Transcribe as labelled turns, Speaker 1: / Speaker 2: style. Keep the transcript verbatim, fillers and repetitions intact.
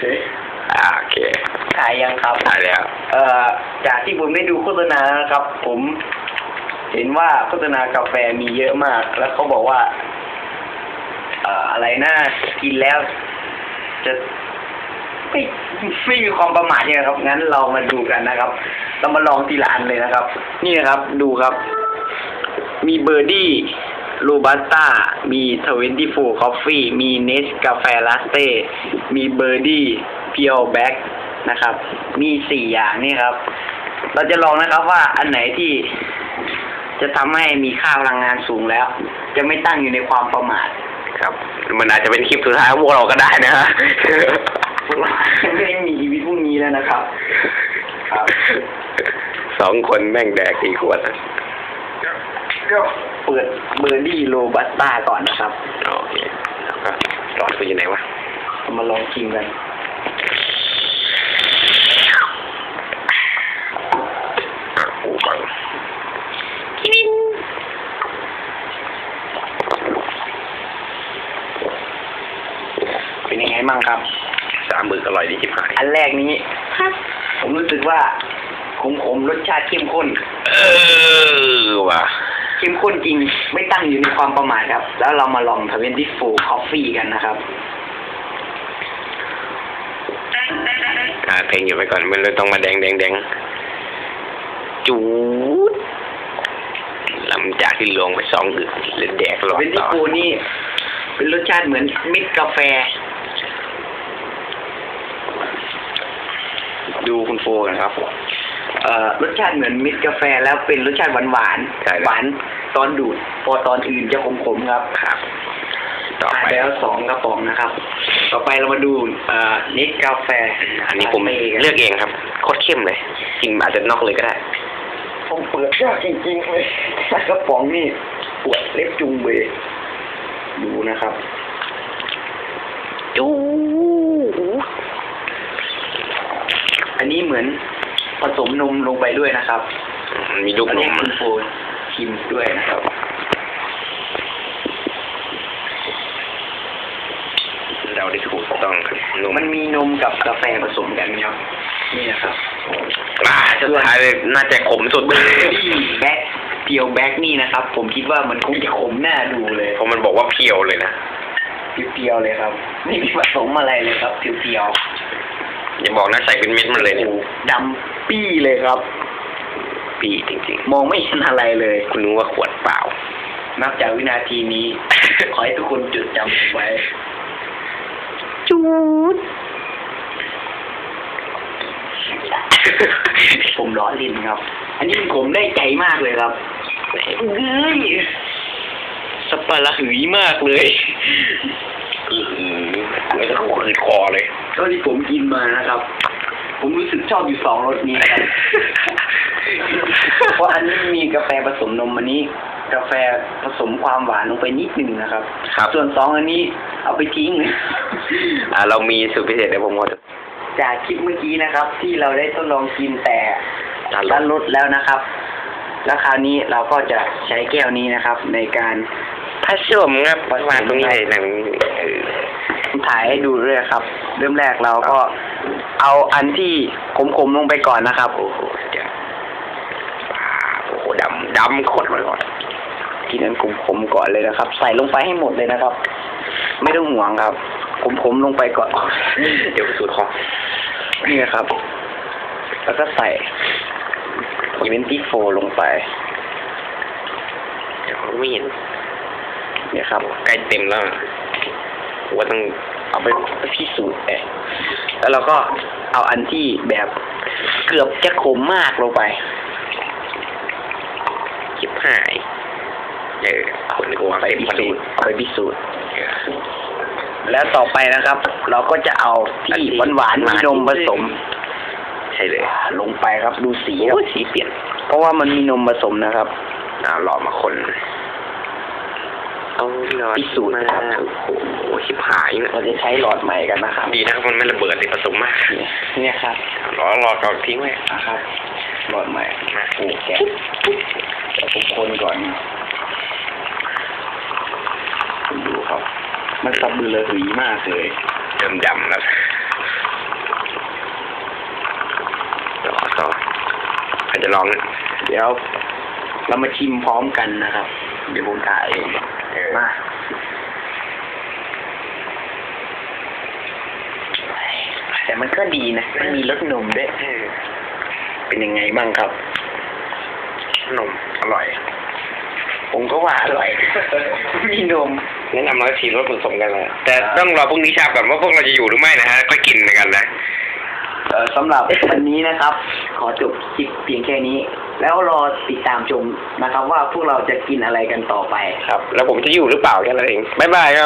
Speaker 1: อ่าโอเค
Speaker 2: ถ่ายยังครับ
Speaker 1: ถ่ายแล้ว
Speaker 2: เอ่อจากที่ผมได้ดูโฆษณานะครับ ผม เห็นว่าโฆษณากาแฟมีเยอะมาก แล้วเขาบอกว่า เอ่ออะไรน่ากินแล้ว จะไม่ไม่มีความประมาทใช่ไหมครับงั้นเรามาดูกันนะครับ เรามาลองทีละอันเลยนะครับ นี่นะครับ ดูครับ มีเบอร์ดี้โรบัสต้ามีทเวนตี้โฟร์คอฟฟี่มีเนสกาแฟลาเต้มีเบอร์ดี้เพียวแบ็กนะครับ มีสี่อย่างนี่ครับ เราจะลองนะครับว่าอันไหนที่จะทำให้มีค่าพลังงานสูงแล้ว จะไม่ตั้งอยู่ในความประมาท
Speaker 1: ครับมันอาจจะเป็นคลิปสุดท้ายของพวกเราก็ได้นะฮะ
Speaker 2: พวกเราไม่ได้มีชีวิตพรุ่งนี้แล้วนะครับครับ
Speaker 1: สองคนแม่งแดกกี่ขวดนะ
Speaker 2: เปิดเบอร์ดี้โรบัสต้าก่อนนะครับ
Speaker 1: โอเคแล้วก็หลอดคืออยู่ไหนวะ
Speaker 2: มาลองชิมกัน
Speaker 1: อ่ะปูบัง
Speaker 2: เป็นยังไงมั่งครับ
Speaker 1: สามมืออร่อยดีที่ผ่าน
Speaker 2: อันแรกนี้ผมรู้สึกว่าขมๆรสชาติเข้มข้น
Speaker 1: เออว่ะ
Speaker 2: เข้มข้นจริงไม่ตั้งอยู่ในความประมาทครับ แล้วเรามาลองทเวนตี้โฟร์คอฟฟี่กันนะครับ
Speaker 1: อ่าเพลงอยู่ไปก่อนมันเลยต้องมาแดงแดงแดงจูดหลังจากที่ลงไปสองอึดเลยแดกหลอด
Speaker 2: ทเวนตี้โฟร์นี่เป็นรสชาติเหมือนมิตรกาแฟดูคุณโฟกันครับเอ่อรสชาติเหมือนมิตรกาแฟแล้วเป็นรสชาติหวานหวานหวานตอนดูดพอตอนอื่นจะขมๆครับ
Speaker 1: ครับต่อไป
Speaker 2: แล้วสองกระป๋องนะครับต่อไปเรามาดูเอ่อเนสกาแฟ
Speaker 1: อันนี้ผมเลือกเองครับโคตรเข้มเลยกินอาจจะนอกเลยก็ได้
Speaker 2: ผมเปิดยากจริงๆเลยกระป๋องนี่ปวดเล็บจุงเบยดูนะครับ
Speaker 1: จู
Speaker 2: อันนี้เหมือนผสมนมลงไปด้วยนะครับ
Speaker 1: มีลูกนม
Speaker 2: คุณโฟชิมด้วยนะครับ
Speaker 1: เราได้ถูกต้องครับ
Speaker 2: มันมีนมกับกาแฟผสมกันครับนี่นะครับ
Speaker 1: อ่าสุดท้ายน่าจะขมสุดเลย
Speaker 2: แบ็คเพียวแบ็คนี่นะครับผมคิดว่ามันคงจะขมหน้าดูเลย
Speaker 1: เพราะมันบอกว่าเพียวเลยนะ
Speaker 2: เพียวๆเลยครับไม่มีผสมอะไรเลยครับเพียว
Speaker 1: ๆอย่าบอกนะใส่เป็นเม็ดมันเลยเนี่ย
Speaker 2: ดำปี้เลยครับ
Speaker 1: ปีจริง
Speaker 2: ๆมองไม่เห็นอะไรเลย
Speaker 1: คุณรู้ว่าขวดเปล่า
Speaker 2: นับจากวินาทีนี้ ขอให้ทุกคนจดจำไว้
Speaker 1: จูด
Speaker 2: ผมล้อเล่นครับอันนี้ผมได้ใจมากเลยครับเฮ้ย
Speaker 1: สปาระหืยมากเลยอือหือแล้วก็ขืดคอเลย
Speaker 2: เท่าที่ผมกินมานะครับผมรู้สึกชอบอยู่สองรสนี้ครับเพราะอันนี้มีกาแฟผสมนมอันนี้กาแฟผสมความหวานลงไปนิดหนึ่งนะครับส่วนสองอันนี้เอาไปทิ้ง
Speaker 1: อ่าเรามีสูตรพิเศษเดี๋ยวผมก็
Speaker 2: จากคลิปเมื่อกี้นะครับที่เราได้ทดลองกินแต่ด้านลดแล้วนะครับแล้วคราวนี้เราก็จะใช้แก้วนี้นะครับในการ
Speaker 1: ผสมครับวางตรงนี้เลยหนัง
Speaker 2: ถ่ายให้ดูด้วยครับเริ่มแรกเราก็เอาอันที่ขมๆลงไปก่อนนะครับ
Speaker 1: โอ้โหจะโอ้โหดำดำขดเลยก่อน
Speaker 2: กินอันขมๆก่อนเลยนะครับใส่ลงไปให้หมดเลยนะครับไม่ต้องห่วงครับขมๆลงไปก่อน
Speaker 1: เดี๋ยวสูตรของ
Speaker 2: นี่นะครับแล้วก็ใส่ทเวนตี้โฟร์ลงไป
Speaker 1: เดี๋ยวไม่เห็น
Speaker 2: เนี่ยครับ
Speaker 1: ใกล้เต็มแล้วว่าต้อง
Speaker 2: เอาไปพิสูจน์ไปแล้วเราก็เอาอันที่แบบเกือบจะขมมากลงไป
Speaker 1: คิดหายเออคนกลัว
Speaker 2: ไปพิสูจน์ไปพิสูจน์แล้วต่อไปนะครับเราก็จะเอาที่หวานๆมีนมผสม
Speaker 1: ใช่เลย
Speaker 2: ลงไปครับดูสีครับ
Speaker 1: สีเปลี่ยน
Speaker 2: เพราะว่ามันมีนมผสมนะครับ
Speaker 1: อ่าหล่อมาคนเอาหลอด
Speaker 2: พิสูจน์นะครับ
Speaker 1: โอ้โหชิบหาย
Speaker 2: เราจะใช้หลอดใหม่กันนะครับ
Speaker 1: ดีนะครับมันไม่ระเบิดเลยผสมมาก
Speaker 2: เนี่ยครับ
Speaker 1: หลอดหลอดก่อนทิ้งไว้
Speaker 2: นะครับหลอดใหม่มาโอ้แกะแกะผมคนก่อนคุณดูครับมันสับบือเลยหืยมากเลย
Speaker 1: ดำๆนะจะลองนะ
Speaker 2: เดี๋ยวเรามาชิมพร้อมกันนะครับ เดี๋ยวผมถ่ายเอง
Speaker 1: เออ
Speaker 2: มาแต่มันก็ดีนะมันมีรสนมด้วย
Speaker 1: เออ
Speaker 2: เป็นยังไงบ้างครับ
Speaker 1: นมอร่อย
Speaker 2: ผมก็ว่าอร่อย มีนม
Speaker 1: แนะนำร้อยทีรสผสมกันเลยแต่ต้องรอพรุ่งนี้เช้าก่อนว่าพวกเราจะอยู่หรือไม่นะฮะก็กินเหมือนกันนะ
Speaker 2: เอ่อสำหรับวันนี้นะครับ ขอจบคลิปเพียงแค่นี้ แล้วรอติดตามชมนะครับ ว่าพวกเราจะกินอะไรกันต่อไป
Speaker 1: ครับ แล้วผมจะอยู่หรือเปล่าแค่นั้นเองบ๊ายบายครับ